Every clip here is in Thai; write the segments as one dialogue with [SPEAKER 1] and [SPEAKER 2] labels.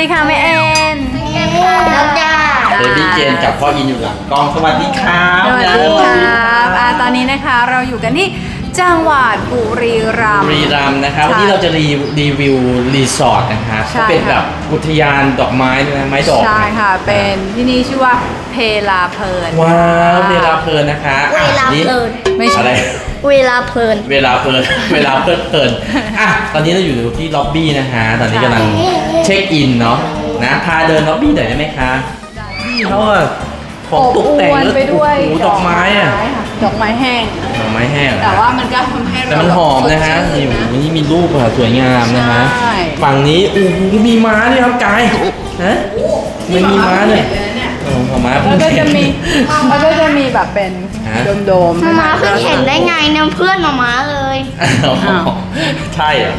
[SPEAKER 1] ดีค่ะแม่เอ็น
[SPEAKER 2] แล้วจ้า
[SPEAKER 3] เบบี้เจนกับพ่ออินอยู่หลังกล้องสวัสดีครับ
[SPEAKER 1] สวัสดีครับตอนนี้นะคะเราอยู่กันที่จังหวัดบุรีรัมย์
[SPEAKER 3] บุรีรัมย์นะครับ
[SPEAKER 1] ใช่
[SPEAKER 3] วันนี้เราจะรีวิวรีสอร์ทนะครับ
[SPEAKER 1] ใช่
[SPEAKER 3] ก็เป็นแบบอุทยานดอกไม้ด้วยนะไม้ดอก
[SPEAKER 1] ใช่ค่ะเป็นที่นี่ชื่อว่าเพลาเพลิน
[SPEAKER 3] ว้าวเวลาเพลินนะคะ
[SPEAKER 2] เวลาเพลิน
[SPEAKER 1] ไม่ใช่
[SPEAKER 3] อะไร
[SPEAKER 2] เวลาเพลิน
[SPEAKER 3] เวลาเพลิน เวลาเพลินเพลินอ่ะตอนนี้เราอยู่ที่ล็อบบี้นะฮะตอนนี้กำลังเช็คอินเนาะนะพาเดินล็อบบี้หน่อยได้ไหมคะนี่เขาอะของตกแต่ง
[SPEAKER 1] อบอวล
[SPEAKER 3] แล้ว
[SPEAKER 1] ไปด้วย
[SPEAKER 3] โอ้โหดอกไม้อะ
[SPEAKER 1] ค่ะดอกไม้แห้ง
[SPEAKER 3] ดอกไม้แห้งอะ
[SPEAKER 1] แต่ว่ามันก็ทำให้เรา
[SPEAKER 3] แต่มันหอมนะฮะนี่วันนี้มีรูปอะสวยงามนะฮะ
[SPEAKER 1] ใช่
[SPEAKER 3] ฝั่งนี้โอ้โหมีม้าด้วยครับกายฮะมันมีม้าเลยโอ้โหม้า
[SPEAKER 1] แล้วก็จะมีแล้วก็จะมีแบบเป็น
[SPEAKER 3] ฮะ
[SPEAKER 1] โดมๆ
[SPEAKER 2] มาม่าเพิ่งเห็นได้ไงเนี่ยเพื่อนมาม่าเลย
[SPEAKER 3] อ้าวใช่เหรอ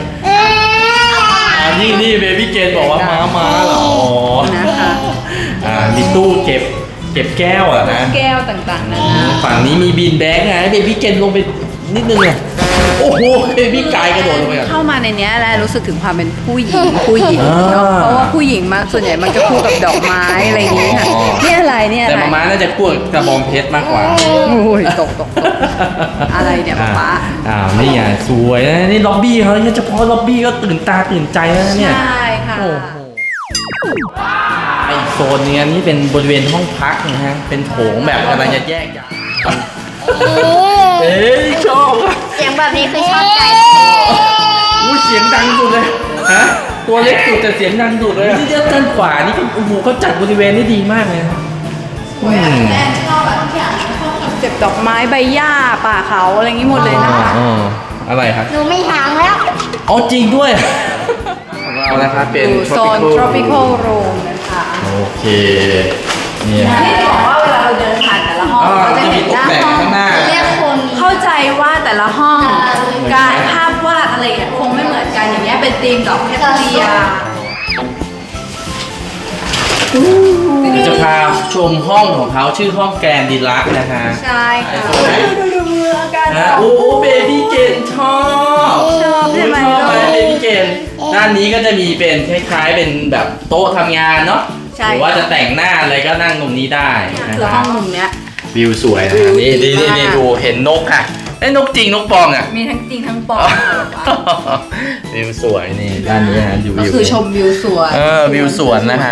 [SPEAKER 3] นี่เบบี้เกนบอกว่าม้าเหรออ๋อ
[SPEAKER 1] นะคะ
[SPEAKER 3] มีตู้เก็บแก้วอะนะ
[SPEAKER 1] แก้วต่างๆนะ
[SPEAKER 3] ฝั่งนี้มีบีนแบงค์ไงเบบี้เกนลงไปนิดนึงอะโอ้โหเบบี้กายกระโดดลงไปอะ
[SPEAKER 1] เข้ามาในเนี้ยแล้วรู้สึกถึงความเป็นผู้หญิงเนาะ
[SPEAKER 3] อ่า
[SPEAKER 1] เพราะว่าผู้หญิงมาส่วนใหญ่มันจะคู่กับดอกไม้อะไรอย่างงี้ค่ะ
[SPEAKER 3] อ๋อ
[SPEAKER 1] นี่อะไรเนี่ย
[SPEAKER 3] แต่
[SPEAKER 1] อะไร
[SPEAKER 3] ม้าน่าจะกลัวกระบองเพชรมากกว่า
[SPEAKER 1] โอ้ยตกอะไรเนี่ยป๊า
[SPEAKER 3] นี่ไงสวยนะนี่ล็อบบี้เขาเฉพาะล็อบบี้ก็ตื่นตาตื่นใจแล้วนะเนี่ย
[SPEAKER 1] ใช่ค่ะ
[SPEAKER 3] โอ้โหไอโซนเนี้ยนี่เป็นบริเวณห้องพักนะฮะเป็นโถงแบบกำลังจะแยกย้ายเอ้ยชอบอะ
[SPEAKER 2] เสียงแบบนี้คือชอบใจ
[SPEAKER 3] อู้เสียงดังสุดเลยฮะตัวเล็กสุดแต่เสียงดังสุดเลยที่ด้านขวานี่ก็โอ้โหเขาจัดบริเวณได้ดีมากเลยนะอืม
[SPEAKER 1] แอนชอบแบบทุกอย่างชอบคอนเซ็ปต์ดอกไม้ใบหญ้าป่าเขาอะไรอย่างงี้หมดเลยนะคะ
[SPEAKER 3] อ๋ออะไรครับ
[SPEAKER 2] หนูไม่หางแล้ว
[SPEAKER 3] อ๋อจริงด้วยของเรานะครับเป็น
[SPEAKER 1] อยู่โซน tropical room นะคะ
[SPEAKER 3] โอเคเนี่ย
[SPEAKER 1] ที่บอกว่าเวลาเราเดินผ่านแต่ละห้องเราจะเห็นหน้าห้อง
[SPEAKER 3] ข้างหน้า
[SPEAKER 2] เรียกคน
[SPEAKER 1] เข้าใจว่าแต่ละห้องการภาพวาดอะไรเนี่ยคงไม่เหมือนกันอย่างเงี้ยเป็นธีมดอกเพชรเลีย
[SPEAKER 3] เดี๋ยวจะพาชมห้องของเขาชื่อห้องแกรนด์ดีลักซ์นะคะ
[SPEAKER 1] ใช่ค่ะ
[SPEAKER 3] สวย
[SPEAKER 1] ดูอาการ
[SPEAKER 3] นะโอ้เบบี้เกนชอบ
[SPEAKER 1] ชอบใช่ไหม
[SPEAKER 3] ชอบไหมเบบี้เกนด้านนี้ก็จะมีเป็นคล้ายๆเป็นแบบโต๊ะทำงานเนาะหรือว่าจะแต่งหน้าอะไรก็นั่งตรงนี้ได้นะ
[SPEAKER 1] คือ
[SPEAKER 3] ค
[SPEAKER 1] ห้
[SPEAKER 3] รั
[SPEAKER 1] อบ งมุมเนี้ย
[SPEAKER 3] วิวสวยนะนี่ดูเห็นนกค่ะไอ้นกจริงนกปลอมอ่ะ
[SPEAKER 1] มีทั้งจริงทั้งปลอม
[SPEAKER 3] วิวสวยนี่ด้านนี้นะดู
[SPEAKER 1] ก็
[SPEAKER 3] วิว
[SPEAKER 1] คือชมวิวสวน
[SPEAKER 3] วิวสวนนะคะ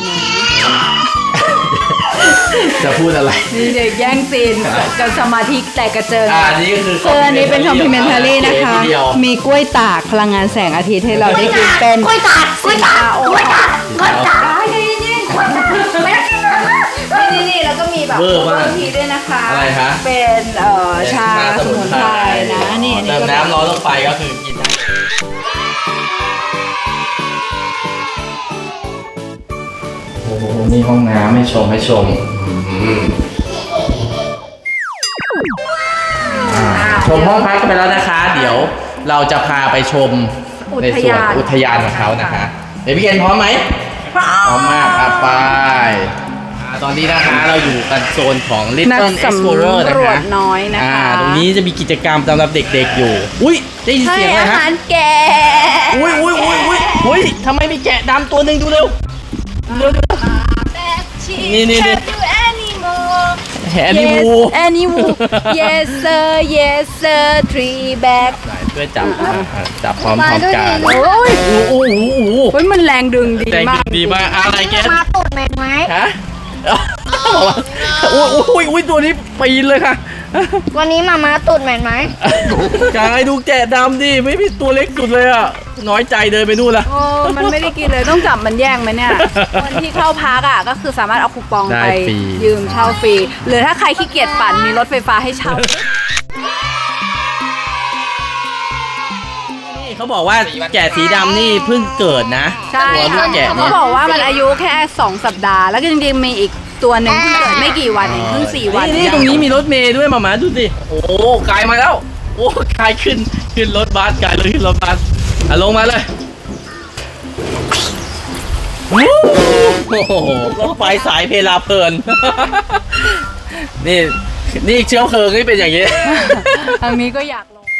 [SPEAKER 3] จะพูดอะไร
[SPEAKER 1] นี่เด็กแย่งซีนกับสมาธิแต่กระเจิง
[SPEAKER 3] อันนี้ก็คือ
[SPEAKER 1] อันนี้เป็น complimentary นะคะ
[SPEAKER 3] เดียว
[SPEAKER 1] มีกล้วยตากพลังงานแสงอาทิตย์ให้เราได้กินเป็น
[SPEAKER 2] กล้วยตากกล้วยตากกล้วยตากกล้วยตาก
[SPEAKER 1] นี่แล้วก็มีแบบ
[SPEAKER 3] เวอร์มาก
[SPEAKER 1] ทีด้วยนะคะ
[SPEAKER 3] อะไรคะ
[SPEAKER 1] เป็นชาสมุนไพรนะนี่อันนี้
[SPEAKER 3] เติม
[SPEAKER 1] ก็
[SPEAKER 3] น้ำร้อนลงไปก็คือกินได้โอ้โหนี่ห้องน้ำให้ชมชมห้องพักกันไปแล้วนะคะ เดี๋ยวเราจะพาไปชมในส่วนอุทยานของเขานะคะเดี๋ยวพี่เกณฑ์พร้อมไหมพร้อมมากอ่ะไปตอนนี้นะคะเราอยู่กันโซนของ
[SPEAKER 1] นัก
[SPEAKER 3] Little
[SPEAKER 1] สำ
[SPEAKER 3] Explorer นะ
[SPEAKER 1] รว
[SPEAKER 3] คะ
[SPEAKER 1] จน้อยนะคะ
[SPEAKER 3] ตรงนี้จะมีกิจกรรมสำหรับเด็กๆอยู่ อุ้ยได้ยิน
[SPEAKER 1] ให้
[SPEAKER 3] เสียงอะไร
[SPEAKER 1] อา
[SPEAKER 3] ฮะ
[SPEAKER 1] หารแกะ
[SPEAKER 3] อุ้ยทำไมมีแกะดำตัวหนึ่งดูเร็วนี่แฮร์รี่วู
[SPEAKER 1] Yes animal Yes sir Yes sir three bag
[SPEAKER 3] ช่วยจับพร้อมกัน
[SPEAKER 1] โอ้ย
[SPEAKER 3] โอ้โห
[SPEAKER 1] เฮ้ยมันแรงดึงดี
[SPEAKER 3] แรง
[SPEAKER 1] มาก
[SPEAKER 3] ดีมากอะไรแก
[SPEAKER 2] มาตูดแมนไหม
[SPEAKER 3] ฮะอุ้ยตัวนี้ปีนเลยค่ะ
[SPEAKER 2] วันนี้มาม่าตูดแมนไหม
[SPEAKER 3] กายดูแกะดำดิไม่มีตัวเล็กสุดเลยอ่ะน้อยใจเดินไปนู่นละ
[SPEAKER 1] โอ้มันไม่ได้กินเลยต้องจับมันแย่งไหมเนี่ยคนที่เข้าพักอ่ะก็คือสามารถเอาคูปองไปยืมเช่าฟรีหรือถ้าใครขี้เกียจปั่นมีรถไฟฟ้าให้เช่า
[SPEAKER 3] นี่เขาบอกว่าแกะสีดำนี่เพิ่งเกิดนะ
[SPEAKER 1] ใช่
[SPEAKER 3] ตัวลูกแกะ
[SPEAKER 1] เขา
[SPEAKER 3] เนี่ย
[SPEAKER 1] บอกว่ามันอายุแค่2 สัปดาห์ แล้วก็จริงๆมีอีกตัวหนึ่งเพิ่งเกิดไม่กี่วันเองเพิ่ง4 วัน
[SPEAKER 3] นี่ตรงนี้มีรถเมย์ด้วยมาดูสิโอ้กายมาแล้วโอ้กายขึ้นรถบัสกายเลยขึ้นรถบัสลงมาเลยโอ้โหรถไฟสายเพลาเพลิน นี่เชื้อเพลิงนี่เป็นอย่างนี้
[SPEAKER 1] ทางนี้ก็อยากลง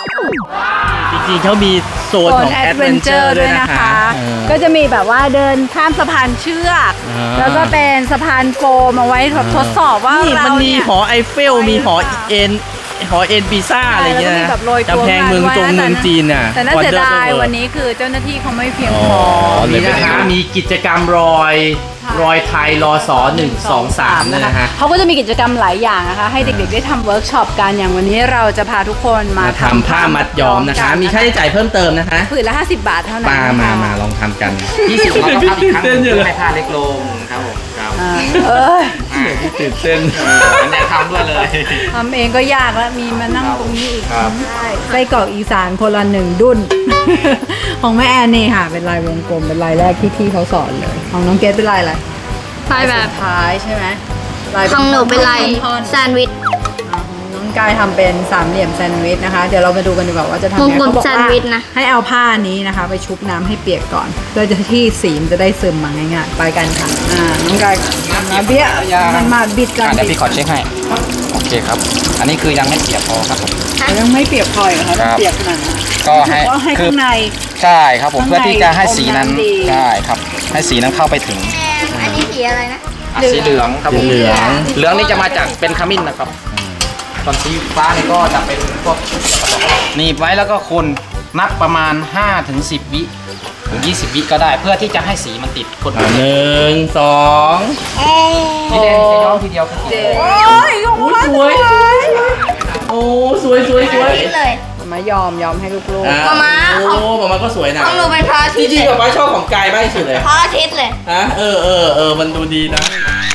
[SPEAKER 3] จริงๆเขามีโซนของ
[SPEAKER 1] แอ
[SPEAKER 3] แอ
[SPEAKER 1] ด
[SPEAKER 3] ด
[SPEAKER 1] เว
[SPEAKER 3] เวน น
[SPEAKER 1] เจ
[SPEAKER 3] เจ
[SPEAKER 1] อ
[SPEAKER 3] อ
[SPEAKER 1] ร์
[SPEAKER 3] ร์
[SPEAKER 1] ด้
[SPEAKER 3] ด้
[SPEAKER 1] ว
[SPEAKER 3] วย ย
[SPEAKER 1] นะ
[SPEAKER 3] นะคะ คะ
[SPEAKER 1] ก็จะมีแบบว่าเดินข้ามสะพานเชือก แล้วก็เป็นสะพานโฟมเอาไว้แบบทดสอบว่า
[SPEAKER 3] นี่
[SPEAKER 1] เรา
[SPEAKER 3] มันมี
[SPEAKER 1] เนี่ย
[SPEAKER 3] หอไอเฟล มีหอเอ็นปีซ่าอะไรเงี้ย
[SPEAKER 1] แล้วก็มี
[SPEAKER 3] นะ
[SPEAKER 1] แบบโรยตัว
[SPEAKER 3] กำแพงเมืองจง
[SPEAKER 1] ไว้นะ
[SPEAKER 3] เมืองจีนน่ะ
[SPEAKER 1] แต่น่าเสียดาย
[SPEAKER 3] Wonder
[SPEAKER 1] วันนี้คือเจ้าหน้าที่เขาไม่เพียง
[SPEAKER 3] อ๋
[SPEAKER 1] พอ
[SPEAKER 3] อนี่นะคะมีกิจกรรมรอยไทยรอสอ1 2 3นี่นะฮะ
[SPEAKER 1] เขาก็จะมีกิจกรรมหลายอย่างนะคะ ให้เด็กๆได้ทำเวิร์กช็อปกันอย่างวันนี้เราจะพาทุกคนมา
[SPEAKER 3] มาทำผ้ามัดย้อมนะคะ มีค่าใช้จ่ายเพิ่มเติมนะคะ
[SPEAKER 1] ผืนละ50 บาทเท่านั้น
[SPEAKER 3] มาลองทำกัน
[SPEAKER 4] 20เราต้องทำอีกครั้งหนึ่งเพื่อให้ผ้าเล็กลงครับผมครับ
[SPEAKER 1] อ่าเอ้ย
[SPEAKER 3] ตื่นเต้น
[SPEAKER 4] อันนี้ทำด้วยเลย
[SPEAKER 1] ทำเองก็ยากแล้วมีมานั่งตรงนี้อีก
[SPEAKER 4] ครับ
[SPEAKER 1] ใช่ไส้กรอกอีสานคนละ1 ดุน ของแม่แอนนี่ค่ะ เป็นลายวงกลมเป็นลายแรกที่พี่เขาสอนเลย ของน้องเกดเป็นลายอะไร
[SPEAKER 2] ลายแบบ
[SPEAKER 1] สุดท้ายใช่ไหมลาย
[SPEAKER 2] ของหนูเป็นลาย
[SPEAKER 1] ท่อนๆ
[SPEAKER 2] แซนด์วิช
[SPEAKER 1] น้องกายทำเป็นสามเหลี่ยมแซนด์วิชนะคะ เดี๋ยวเรามาดูกันดีกว่าว่าจะทำยังไง
[SPEAKER 2] วงกลม
[SPEAKER 1] เขาบอก
[SPEAKER 2] แซนด์
[SPEAKER 1] ว่า
[SPEAKER 2] วิชนะ
[SPEAKER 1] ให้เอาผ้านี้นะคะ ไปชุบน้ำให้เปียกก่อนเพื่อจะที่สีมนจะได้ซึมมาง่ายๆไปกันค่ะน้องกายทำนะเบี้ยมันมาบิดกัน
[SPEAKER 4] เดี๋ยวพี่ขอเช็คให้ โอเคครับ อันนี้คือยังไม่เปียกพอครับผม
[SPEAKER 1] ยังไม่เปียกพอเหรอคะ
[SPEAKER 4] ครับ
[SPEAKER 1] เปียกขนาดนั้น
[SPEAKER 4] ก็ให้
[SPEAKER 1] ก็ให้
[SPEAKER 4] คือ
[SPEAKER 1] ข้างใน
[SPEAKER 4] ใช่ครับผม
[SPEAKER 1] ข้างใน
[SPEAKER 4] เพื่อที่จะให้สีนั้น
[SPEAKER 1] อมน้ำดี
[SPEAKER 4] ใช่ครับ ให้สีนั้นเข้าไปถึง
[SPEAKER 2] อันนี้สีอะไรนะ
[SPEAKER 4] สีเหลืองครับผม
[SPEAKER 3] เหลือง
[SPEAKER 4] เหลืองนี่จะมาจากเป็นขมิ้นนะครับส่วนสีฟ้านี่ก็จะเป็นพวกหนีบไว้แล้วก็คนนับประมาณ5 ถึง 10 วิหรือ20 วิก็ได้ เพื่อที่จะให้สีมันติดคน
[SPEAKER 3] 1 2
[SPEAKER 4] นี่เด่นจะย้อมทีเดียวคือสี
[SPEAKER 1] โอ้ย
[SPEAKER 3] สวยโอ้สวย
[SPEAKER 2] นี่เลย
[SPEAKER 1] มายอมให้ลูก
[SPEAKER 3] อ่ะ
[SPEAKER 2] มา
[SPEAKER 3] โอ้มาก็สวยนะ
[SPEAKER 2] ของหนูเป็นพระอา
[SPEAKER 3] จ
[SPEAKER 2] ทิตย์
[SPEAKER 3] ริง
[SPEAKER 2] เล
[SPEAKER 3] ๆ
[SPEAKER 2] ย
[SPEAKER 3] กับป้าชอบของกายมากที่สุดเลย
[SPEAKER 2] พระอาทิตย์เลย
[SPEAKER 3] ฮะมันดูดีนะ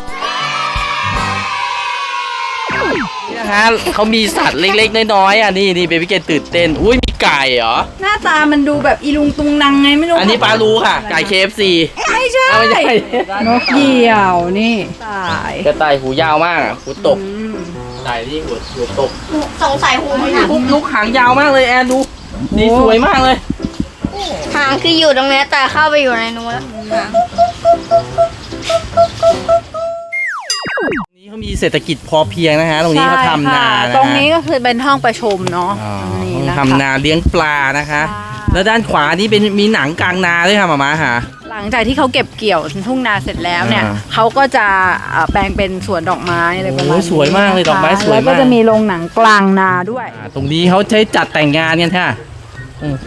[SPEAKER 3] นี่นะคะเขามีสัตว์เล็กๆน้อยๆอ่ะนี่เบบี้เกนตื่นเต้นอุ้ยมีไก่เหรอ
[SPEAKER 1] ๆหน้าตามันดูแบบอีลุงตุงนังไงไม่รู้
[SPEAKER 3] อันนี้ปลารู้ค่ะ ไก่ KFC
[SPEAKER 1] ไม่ใช่
[SPEAKER 3] เอาไม่ใช่
[SPEAKER 1] นกเหยี่ยวนี่ตาย
[SPEAKER 3] กระต่ายหูยาวมากอะหูตก
[SPEAKER 1] อืม
[SPEAKER 3] ไก่นี่หูตก
[SPEAKER 2] สงสัยหูมันหนัก
[SPEAKER 3] ลูกหางยาวมากเลยแอนดูนี่สวยมากเลย
[SPEAKER 2] หางคืออยู่ตรงนี้แต่เข้าไปอยู่ในนู้นแล้วหาง
[SPEAKER 3] นี่เขามีเศรษฐกิจพอเพียงนะฮะตรงนี้เขาทำนา
[SPEAKER 1] ใช่ค่ะ
[SPEAKER 3] นะฮะ
[SPEAKER 1] ตรงนี้ก็คือเป็นห้องประชุมเนาะ
[SPEAKER 3] อ๋อ
[SPEAKER 1] นี่นะคะ
[SPEAKER 3] ทำนาเลี้ยงปลานะคะ
[SPEAKER 1] ใช่
[SPEAKER 3] แล้วด้านขวานี่เป็นมีหนังกลางนาด้วยค่ะหมาค่ะ
[SPEAKER 1] หลังจากที่เขาเก็บเกี่ยวทุ่งนาเสร็จแล้วเนี่ย
[SPEAKER 3] อ่า
[SPEAKER 1] เขาก็จะแปลงเป็นสวนดอกไม้อะไรประมาณ
[SPEAKER 3] โอ้
[SPEAKER 1] นี้
[SPEAKER 3] สวยมากเลยดอกไม้
[SPEAKER 1] นะคะ
[SPEAKER 3] สวยมาก
[SPEAKER 1] แล้วก็จะมีโรงหนังกลางนาด้วย
[SPEAKER 3] ตรงนี้เขาใช้จัดแต่งงานกันค่ะโอ้โห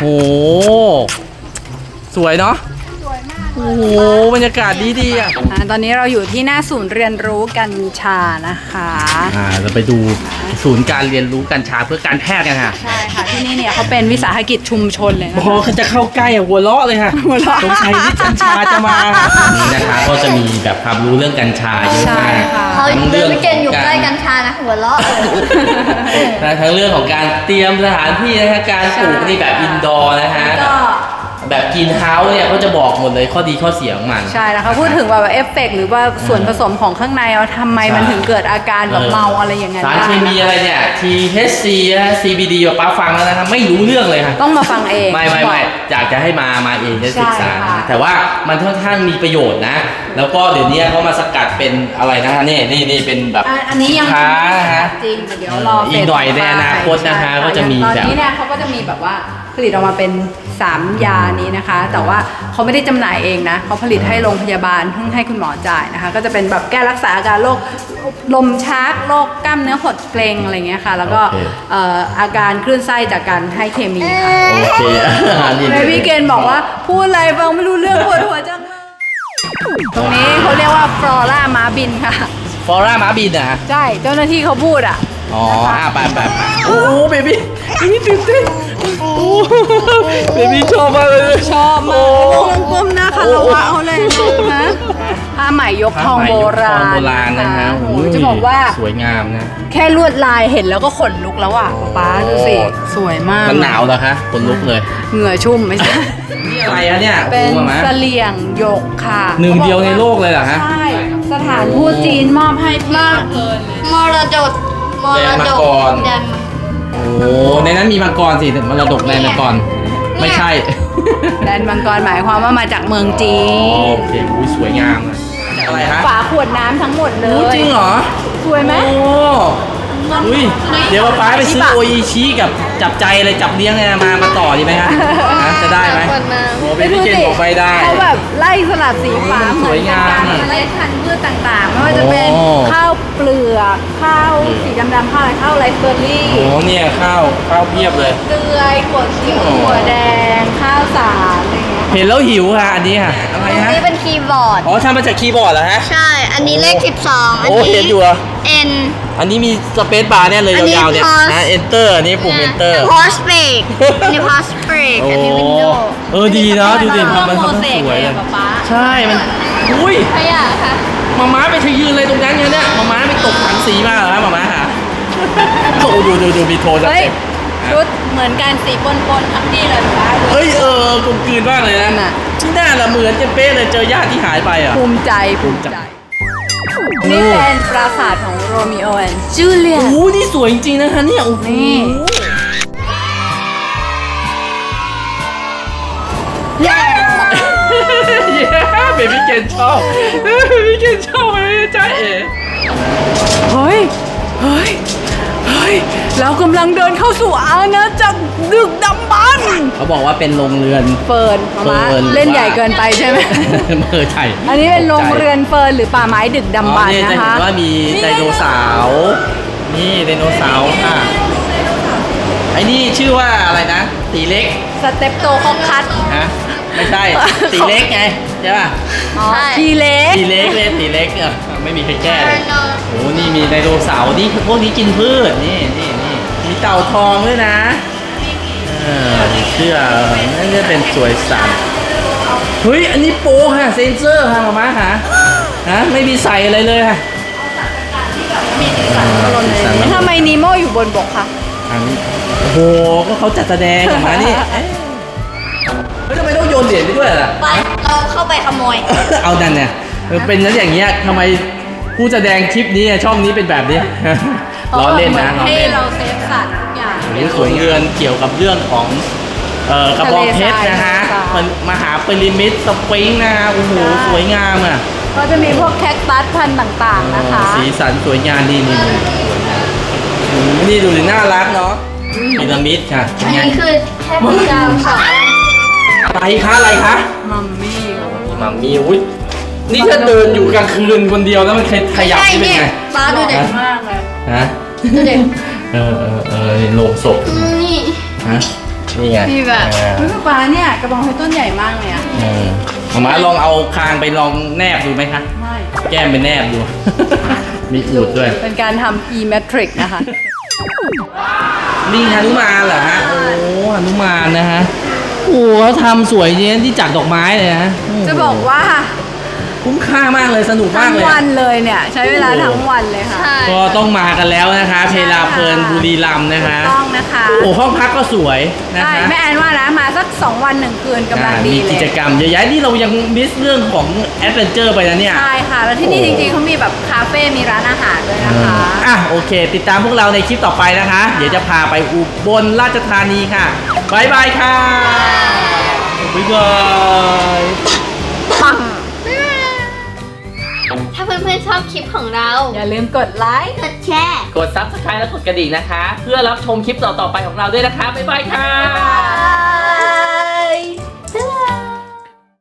[SPEAKER 3] สวยเนาะโอ้โหบรรยากาศดีๆอ่ะ
[SPEAKER 1] ตอนนี้เราอยู่ที่หน้าศูนย์เรียนรู้กัญชานะคะ
[SPEAKER 3] เราไปดูศูนย์การเรียนรู้กัญชาเพื่อการแพทย์กันค่ะ
[SPEAKER 1] ใช่ค่ะที่นี่เนี่ยเขาเป็นวิสาหกิจชุมชนเลยนะ
[SPEAKER 3] พอเขาจะเข้าใกล้อะหัวเราะเลยค่ะ
[SPEAKER 1] หัวเราะ
[SPEAKER 3] สงสัยที่กัญชาจะมานี่นะคะก็จะมีแบบความรู้เรื่องกัญชาเยอะ
[SPEAKER 1] ใช่
[SPEAKER 3] มาก
[SPEAKER 1] ค่ะ
[SPEAKER 2] เขาเดินไปเกณฑ์อยู่ใกล้กัญชานะหัวเราะเลย
[SPEAKER 3] ทั้งเรื่องของการเตรียมสถานที่นะคะการปลูกนี่แบบอินดอร์นะคะ
[SPEAKER 1] ก็
[SPEAKER 3] แบบกินเฮาส์เนี่ยเขาจะบอกหมดเลยข้อดีข้อเสียของมัน
[SPEAKER 1] ใช่แล้วเขาพูดถึงแบบเอฟเฟกต์หรือว่าส่วนผสมของข้างในว่าทำไมมันถึงเกิดอาการแบบเมาอะไรอย่างเงี้ย
[SPEAKER 3] สารเคมีอะไรเนี่ย THC นะ CBD แบบป้าฟังแล้วนะครับไม่รู้เรื่องเลยค่ะ
[SPEAKER 1] ต้องมาฟังเอง
[SPEAKER 3] ไม่อยากจะให้มาเองจะศึกษา
[SPEAKER 1] ใช่ค่ะ
[SPEAKER 3] แต่ว่ามันค่อนข้างมีประโยชน์นะ แล้วก็เดี๋ยวนี้เขามาสกัดเป็นอะไรนะคะนี่เป็นแบบ
[SPEAKER 1] อันนี้ยัง
[SPEAKER 3] ค้านะฮะ
[SPEAKER 1] จริงเดี๋ยวรอ
[SPEAKER 3] อีกหน่อยในอนาคตนะคะ
[SPEAKER 1] ใช่
[SPEAKER 3] ก็จะมี
[SPEAKER 1] ตอน
[SPEAKER 3] แบบ
[SPEAKER 1] นี้เนี่ยเขาก็จะมีแบบว่าผลิตออกมาเป็น3ยานี้นะคะ แต่ว่าเขาไม่ได้จำหน่ายเองนะเขาผลิตให้โรงพยาบาลเพิ่งให้คุณหมอจ่ายนะคะ ก็จะเป็นแบบแก้รักษาอาการโรคลมชักโรคกล้ามเนื้อหดเกร็งอะไรเงี้ยค่ะ แล้วก็
[SPEAKER 3] โอเค
[SPEAKER 1] อาการคลื่นไส้จากการให้เคมีค่ะ
[SPEAKER 3] โอเคนี่
[SPEAKER 1] เบบี้เกนบอกว่าพูดอะไรฟังไม่รู้เรื่องปวดหัวจังเลยตรงนี้เขาเรียกว่าฟลอร่าม้าบินค่ะ
[SPEAKER 3] ฟอร่าม้าบินนะ
[SPEAKER 1] ใช่เจ้าหน้าที่เขาพูดอ่ะ
[SPEAKER 3] อ๋อไปโอ้เบบี้ตื่นเต้นโอ้เบบี้ชอบมากเลย
[SPEAKER 1] ชอบมากต้องก้มหน้าคารวะเขาเลยนะผ้าไหมยกทองโบราณ
[SPEAKER 3] โบราณนะฮะ
[SPEAKER 1] โอ้โหจะบอกว่า
[SPEAKER 3] สวยงามนะ
[SPEAKER 1] แค่ลวดลายเห็นแล้วก็ขนลุกแล้วอ่ะป๊าดูสิ สวยมาก
[SPEAKER 3] มันหนาวเหรอคะขนลุกเลย
[SPEAKER 1] เหงื่อชุ่มไม่ใช่
[SPEAKER 3] นี่อะไรอะเนี่ย
[SPEAKER 1] เป็น
[SPEAKER 3] รู้ไหม
[SPEAKER 1] เสลี่ยงหยกค่ะ
[SPEAKER 3] หนึ่งเดียวในโลกเลยเหรอฮะ
[SPEAKER 1] ใช่ สถานทูตจีนมอบให้มาก
[SPEAKER 2] มรดกมรดกแดน
[SPEAKER 3] โอ้ในนั้นมีมังกรสิมรดกในมังกรไม่ใช่
[SPEAKER 1] แดนมังกรหมายความว่ามาจากเมืองจี
[SPEAKER 3] อ๋อน โอเคอุ้ยสวยงามอะอะไรฮะ
[SPEAKER 1] ฝาขวดน้ำทั้งหมดเล
[SPEAKER 3] รู้
[SPEAKER 1] ย
[SPEAKER 3] จริงเหรอ
[SPEAKER 1] สวยไหม
[SPEAKER 3] โอ้อุ้ยเดี๋ยวป๊าไปซื้อโออิชิกับจับใจอะไรจับเลี้ยงเนี่ยมาต่อดีไหมฮะจะได้ไหมโอ้เป็นพี่เกณฑ์บอกไม่ได้
[SPEAKER 1] เขาแบบไล่สลับสีฟ้า
[SPEAKER 3] สวยงาม
[SPEAKER 1] เหมือนการเมล็ดพันธุ์พืชต่างๆไม่ว่าจะเป็น
[SPEAKER 3] โอ้
[SPEAKER 1] ข้าวเปลือกข้าวสีดำๆข้าวอะไรข้าวไรซ์เบอร์รี่
[SPEAKER 3] โอ้เนี่ยข้าวเพียบเลย
[SPEAKER 1] เกลือถั่วเขียว
[SPEAKER 3] โอ้
[SPEAKER 1] ถั่วแดงข้าวสารอะไรเงี้ย
[SPEAKER 3] เห็นแล้วหิวค่ะอันนี้ค่ะอะไร
[SPEAKER 2] อัน
[SPEAKER 3] ฮะ
[SPEAKER 2] นี้เป็นคีย์บอร์ด
[SPEAKER 3] อ๋อทำมาจากคีย์บอร์ดเหรอฮะ
[SPEAKER 2] ใช่ อันนี้เลข 12 อัน
[SPEAKER 3] โอ้
[SPEAKER 2] นี้
[SPEAKER 3] เห็นอยู่เหรอ
[SPEAKER 2] N
[SPEAKER 3] อันนี้มีสเปซบาร์เนี่ยเลย
[SPEAKER 2] อันนี้
[SPEAKER 3] ยาวๆเนี่ย
[SPEAKER 2] pause
[SPEAKER 3] นะ enter อันนี้ปุ่ม enter
[SPEAKER 2] pause break อันนี้ pause break อันนี้ window
[SPEAKER 3] ดีเนาะดูดิทำมัน
[SPEAKER 1] โม
[SPEAKER 3] ทำ
[SPEAKER 1] เส
[SPEAKER 3] ส
[SPEAKER 1] ก
[SPEAKER 3] วย
[SPEAKER 1] เล
[SPEAKER 3] เลย ย
[SPEAKER 1] ป๊า
[SPEAKER 3] ใช่มันอุ้ย
[SPEAKER 1] ขยะค่ะ
[SPEAKER 3] มาม้าไปเธอยืนเลยตรงนั้นเนี่ยมาม้าไปตกถังสีมาเหรอฮะมาม้าค่ะโอ้ดูมีโทนส
[SPEAKER 1] เฮ้ย
[SPEAKER 3] เต็ป
[SPEAKER 1] ชุดเหมือนกันสีปนๆทั้งที่เลยป๊า
[SPEAKER 3] เฮ้ยกลมกลืนมากเลย
[SPEAKER 1] นั่น
[SPEAKER 3] นะ
[SPEAKER 1] น่ะ
[SPEAKER 3] ที่หน้าละเหมือนกันเป๊ะเลยเจอญาติที่หายไปอ่ะ
[SPEAKER 1] ภูมิใจภูมิใจ นี่เป็นปราสาทของโรมิโอแอนด์จูเลีย
[SPEAKER 3] โอ้โหนี่สวยจริงๆนะคะเนี่ยโอ้โห
[SPEAKER 1] นี่
[SPEAKER 3] เย้เบบี้เกนชอบเบบี้เกนชอบเลยจ้าเอ๋
[SPEAKER 1] เฮ้ยเรากำลังเดินเข้าสู่อาณาจักรดึกดำบรรพ์
[SPEAKER 3] เขาบอกว่าเป็นโรงเรือน
[SPEAKER 1] เฟิร์นมา
[SPEAKER 3] เฟิร์น
[SPEAKER 1] เล่นใหญ่เกินไปใช่ไหม
[SPEAKER 3] ใช่
[SPEAKER 1] อันนี้เป็นโรงเรือนเฟิร์นหรือป่าไม้ดึกดำบรรพ์
[SPEAKER 3] จะ
[SPEAKER 1] นะ
[SPEAKER 3] เห็
[SPEAKER 1] คะ
[SPEAKER 3] นว่ามีไดโนเสาร์นี่ไดโนเสาร์ค่ะไอ้นี่ชื่อว่าอะไรนะตีเล็ก
[SPEAKER 1] สเต็ปโตคอกคัท
[SPEAKER 3] ฮะไม่ใช่ตีเล็กไงใช่ป่ะ
[SPEAKER 1] อ๋อทีเล็ก
[SPEAKER 3] ตีเล็กเลยตีเล็กไม่มีใครแก้เลยโอ้นี่มีไดโนเสาร์นี่พวกนี้กินพืชนี่มีเต่าทองด้วยนะมีเสื้อนั่นจะเป็นสวยสันเฮ้ยอันนี้โปค่ะเซนเซอร์ค่ะมาค่ะฮะไม่มีใส่อะไรเลยค่ะ
[SPEAKER 1] ทำไมนีโมอยู่บนบกคะ
[SPEAKER 3] อันนี้โอ้โหก็เขาจัดแสดงออกมานี่เอ๊ะเฮ้ยทำไมต้องโยนเหรียญไปด้วยล่ะ
[SPEAKER 2] ไปเราเข้าไปขโมย
[SPEAKER 3] เอาดันเนี่ยเป็นนั้นอย่างเงี้ยทำไมผู้แสดงคลิปนี้ช่องนี้เป็นแบบนี้ ล้อเล่นนะล้อ
[SPEAKER 1] ให้
[SPEAKER 3] เล่น
[SPEAKER 1] เราเซฟสัตว์ทุกอย่าง
[SPEAKER 3] หรือสวยเรือนเกี่ยวกับเรื่องของกระบองเพชรนะฮะ
[SPEAKER 1] ทะเลทราย
[SPEAKER 3] มันมหาพีระมิดสฟิงค์นะฮะโอ้โหสวยงามอ่ะ
[SPEAKER 1] ก็จะมีพวกแคคตัสพันธุ์ต่างๆนะคะ
[SPEAKER 3] สีสันสวยงามนี่นี่ดูดิน่ารักเนาะพีระมิดค่ะ
[SPEAKER 2] อันนี้คือแค่ดาวสอง
[SPEAKER 3] อะไรคะ
[SPEAKER 1] มัมมี่
[SPEAKER 3] มัมมี่อุ้ยนี่ถ้าเดินอยู่กลางคืนคนเดียวแล้วมันขยับ
[SPEAKER 2] ใช่
[SPEAKER 3] นี่เป็น
[SPEAKER 2] เนี่ย
[SPEAKER 3] ไง
[SPEAKER 2] ป้าดูเด็ก
[SPEAKER 1] มากเลย
[SPEAKER 3] ฮะ
[SPEAKER 2] ดูเด็ก
[SPEAKER 3] โลงศพ
[SPEAKER 2] นี่
[SPEAKER 3] ฮะนี่ไง
[SPEAKER 2] มีแบบ
[SPEAKER 1] เฮ้ยป๊าเนี่ยกระบองเพชรต้นใหญ่มากเลยอะ
[SPEAKER 3] มาลองเอาคางไปลองแนบดูไหมคะ
[SPEAKER 1] ไม่
[SPEAKER 3] แก้มไปแนบดู มีอูดด้วย
[SPEAKER 1] เป็นการทำ e-metric นะคะ
[SPEAKER 3] ลิงหนุมานเหรอฮะ โอ้หนุมานนะฮะ โอ้เขาทำสวยจริงที่จัดดอกไม้เลยนะโโห
[SPEAKER 1] จะบอกว่า
[SPEAKER 3] คุ้มค่ามากเลยสนุกมา
[SPEAKER 1] ทั้
[SPEAKER 3] ก
[SPEAKER 1] ง
[SPEAKER 3] เลย
[SPEAKER 1] วันเลยเนี่ย ใช้เวลาทั้งวันเลยค่ะ
[SPEAKER 2] ใช่
[SPEAKER 3] ก็ต้องมากันแล้วนะคะ เพลาเพลินบุรีรัมย์นะคะ
[SPEAKER 1] ต้องนะคะ
[SPEAKER 3] โอ้ห้องพักก็สวยนะ
[SPEAKER 1] ใช่
[SPEAKER 3] คะ
[SPEAKER 1] แม่แอนว่านะมาสัก 2 วัน 1 คืนกำลังดี
[SPEAKER 3] มี
[SPEAKER 1] เล
[SPEAKER 3] กิ
[SPEAKER 1] ย
[SPEAKER 3] จกรรมเยอะแยะนี่เรายังมิสเรื่องของแอดเวนเจอร์ไปนะเนี่ย
[SPEAKER 1] ใช่ค่ะ แล้วที่นี่จริงๆเขามีแบบคาเฟ่ มีร้านอาหารด้วยนะคะ
[SPEAKER 3] โอเค ติดตามพวกเราในคลิปต่อไปนะคะ เดี๋ยวจะพาไปอุบลราชธานีค่ะบายบายค่ะบ๊ายบาย
[SPEAKER 2] ปังถ้าเพื่อนๆชอบคลิปของเรา
[SPEAKER 1] อย่าลืมกดไลค์
[SPEAKER 2] กดแชร์
[SPEAKER 3] กด Subscribe และกดกระดิ่งนะคะ เพื่อรับชมคลิปต่อๆไปของเราด้วยนะคะบ๊ายบายค่ะ
[SPEAKER 2] บ๊ายบาย